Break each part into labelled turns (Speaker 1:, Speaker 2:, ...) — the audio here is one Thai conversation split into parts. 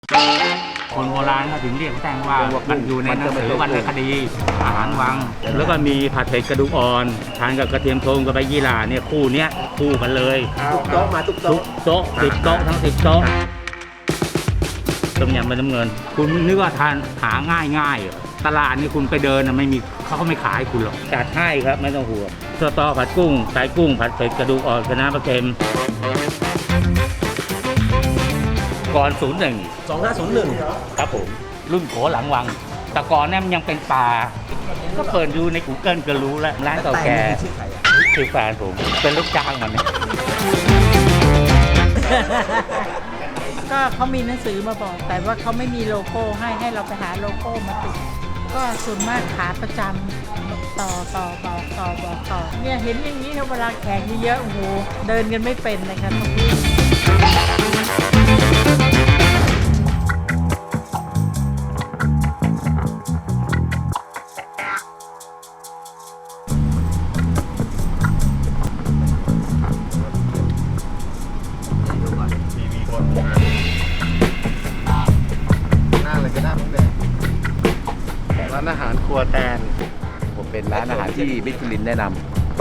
Speaker 1: คนโบราณเขาถึงเรียกแตงว่ามันอยู่ในหนังสือวรรณคดีอาหารวังแล้วก็มีผัดเผ็ดกระดูกอ่อนทานกับกระเทียมโทงกับใบยี่หร่าเนี่ยคู่เนี้ยคู่กันเลย
Speaker 2: ทุกโต๊ะมาทุกโต๊ะ
Speaker 1: 10 โต๊ะทั้ง10 โต๊ะต้มยำใบน้ำเงินคุณนึกว่าทานหาง่ายตลาดนี่คุณไปเดินไม่มีเขาไม่ขายคุณหรอกจัดให้ครับไม่ต้องห่วงสตอผัดกุ้งไตกุ้งผัดเผ็ดกระดูกอ่อนคะน้าปลาเค็มก่อน
Speaker 2: 2501
Speaker 1: ครับผมรุ่นโขหลังวังแต่ก่อนเนี่ยมันยังเป็นป่าก็เปิดดูใน Google ก็รู้แล้วร้านเก่าแก่คือแฟนผมเป็นลูกจ้างมันเนี่ย
Speaker 3: ก็เขามีหนังสือมาบอกแต่ว่าเขาไม่มีโลโก้ให้เราไปหาโลโก้มาติดก็ส่วนมากขาประจำต่อเนี่ยเห็นอย่างนี้เวลาแข่งเยอะๆโอ้โหเดินกันไม่เป็นเลยค่ะตรงนี้
Speaker 2: ร้านอาหารครัวแตนผมเป็นร้านอาหารที่มิชลินแนะนำ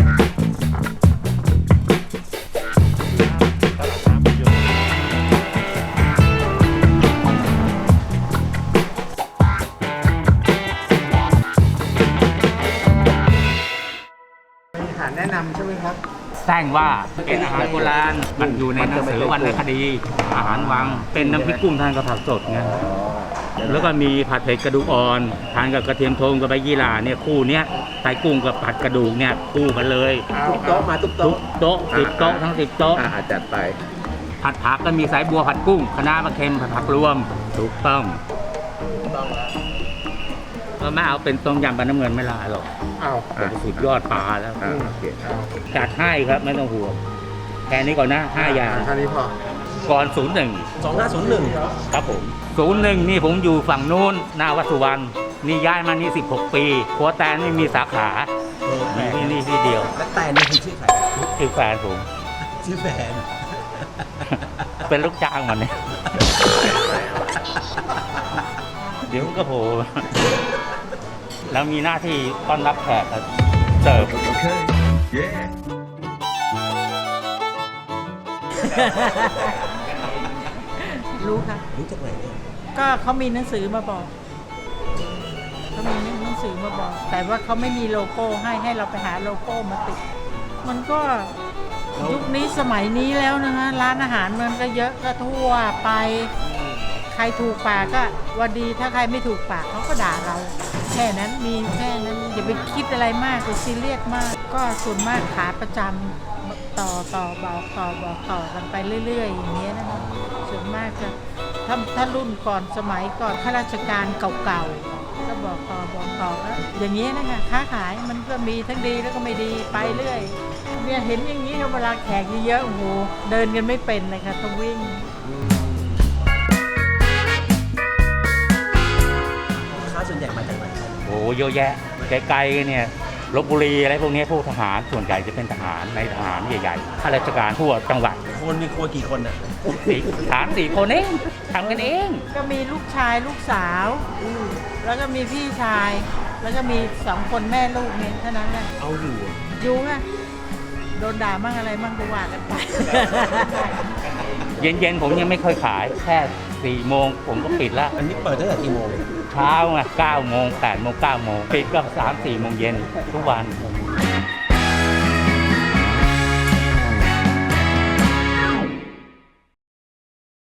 Speaker 2: อาหารแนะนำใช่ไหมครับ
Speaker 1: แจ้งว่าเป็นอาหารโบราณมันอยู่ในหนังสือวรรณคดีอาหารวังเป็นน้ำพริกกุ้งทานกับผักสดไงแล้วก็มีผัดเผ็ดกระดูกอ่อนทานกับกระเทียมโทงกับใบยี่หร่าเนี่ยคู่เนี้ยไตกุ้งกับผัดกระดูกเนี่ยคู่กันเลย
Speaker 2: ทุกโต๊ะมาทุกโต๊ะ
Speaker 1: 10 โต๊ะทั้ง10 โต๊ะ
Speaker 2: จัดไป
Speaker 1: ผัดผักก็มีสายบัวผัดกุ้งคะน้าปลาเค็มผัดผักรวมถูกต้องก็ไม่เอาเป็นต้มยำปลาน้ำเงินไม่ลาหรอกสุดยอดปลาแล้วจัดให้ครับไม่ต้องห่วงแค่นี้ก่อนนะ5 อย่าง
Speaker 2: แค่นี้พอ
Speaker 1: ก่อน
Speaker 2: 2501
Speaker 1: ครับผม01นี่ผมอยู่ฝั่งนู้นหน้าวัดสุวรรณนี่ย้ายมานี่16 ปีครัวแตนไม่มีสาขานี่ที่เดียว
Speaker 2: แล้วแตนนี่คือชื่อใคร
Speaker 1: คือแฟนผม
Speaker 2: ชื่อแฟน
Speaker 1: เป็นลูกจ้างมันเนี่ยเดี๋ยวก็โผล่แล้วมีหน้าที่ต้อนรับแขกเสิร์ฟ
Speaker 3: รู้ค่ะ
Speaker 2: รู้จากไหนเนี่ย
Speaker 3: ก็เขามีหนังสือมาบอกเขามีหนังสือมาบอกแต่ว่าเขาไม่มีโลโก้ให้เราไปหาโลโก้มาติดมันก็ยุคนี้สมัยนี้แล้วนะคะร้านอาหารมันก็เยอะก็ทั่วไปใครถูกปากก็ว่าดีถ้าใครไม่ถูกปากเขาก็ด่าเราแค่นั้นมีแค่นั้นอย่าไปคิดอะไรมากอย่าซีเรียสมากก็ส่วนมากขาประจำต่อกันไปเรื่อยๆอย่างเงี้ยนะคะส่วนมากจะถ้ารุ่นก่อนสมัยก่อนข้าราชการเก่าๆก็บอกต่อแล้วอย่างเงี้ยนะคะค้าขายมันก็มีทั้งดีแล้วก็ไม่ดีไปเรื่อยเนี่ยเห็นอย่างนี้เวลาแขกเยอะๆโอ้โหเดินกันไม่เป็นเลยค่ะต้องวิ่ง
Speaker 2: ค้าส่วนใหญ่มาจากไหน
Speaker 1: โอ้เยอะแยะไกลๆเนี่ยลพบุรีอะไรพวกนี้พวกทหารส่วนใหญ่จะเป็นทหารในทหารใหญ่ๆข้าราชการทั่วจังหวัด
Speaker 2: คนมีครัวกี่คนอ่ะ
Speaker 1: 3-4 คนเองทำกันเอง
Speaker 3: ก็มีลูกชายลูกสาวแล้วก็มีพี่ชายแล้วก็มี2 คนแม่ลูกเนี่ยเท่านั้นแหละ
Speaker 2: เอา
Speaker 3: อยู่ไงโดนด่ามั่งอะไรมั่งก็ว่ากันไป
Speaker 1: เย็นๆผมยังไม่เคยขายแค่4 โมงผมก็ปิดแล้ว
Speaker 2: อันนี้เปิดตั้งแต่กี่โมง
Speaker 1: เช้าไง9 โมง 8 โมง 9 โมงปิดก็3-4 โมงเย็นทุกวัน